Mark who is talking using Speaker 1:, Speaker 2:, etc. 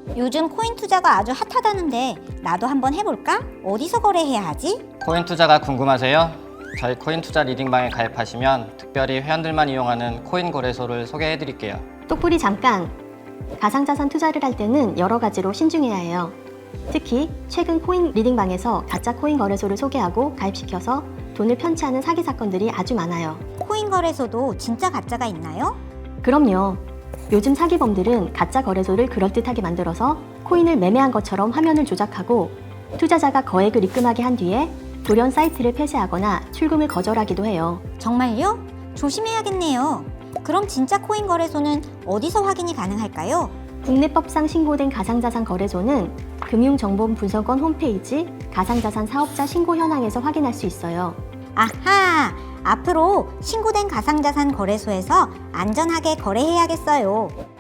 Speaker 1: 요즘 코인 투자가 아주 핫하다는데 나도 한번 해볼까? 어디서 거래해야 하지?
Speaker 2: 코인 투자가 궁금하세요? 저희 코인 투자 리딩방에 가입하시면 특별히 회원들만 이용하는 코인 거래소를 소개해 드릴게요.
Speaker 3: 똑불이 잠깐! 가상자산 투자를 할 때는 여러 가지로 신중해야 해요. 특히 최근 코인 리딩방에서 가짜 코인 거래소를 소개하고 가입시켜서 돈을 편취하는 사기 사건들이 아주 많아요.
Speaker 1: 코인 거래소도 진짜 가짜가 있나요?
Speaker 3: 그럼요. 요즘 사기범들은 가짜 거래소를 그럴듯하게 만들어서 코인을 매매한 것처럼 화면을 조작하고 투자자가 거액을 입금하게 한 뒤에 돌연 사이트를 폐쇄하거나 출금을 거절하기도 해요.
Speaker 1: 정말요? 조심해야겠네요. 그럼 진짜 코인 거래소는 어디서 확인이 가능할까요?
Speaker 3: 국내법상 신고된 가상자산 거래소는 금융정보분석원 홈페이지 가상자산 사업자 신고 현황에서 확인할 수 있어요.
Speaker 1: 아하! 앞으로 신고된 가상자산 거래소에서 안전하게 거래해야겠어요.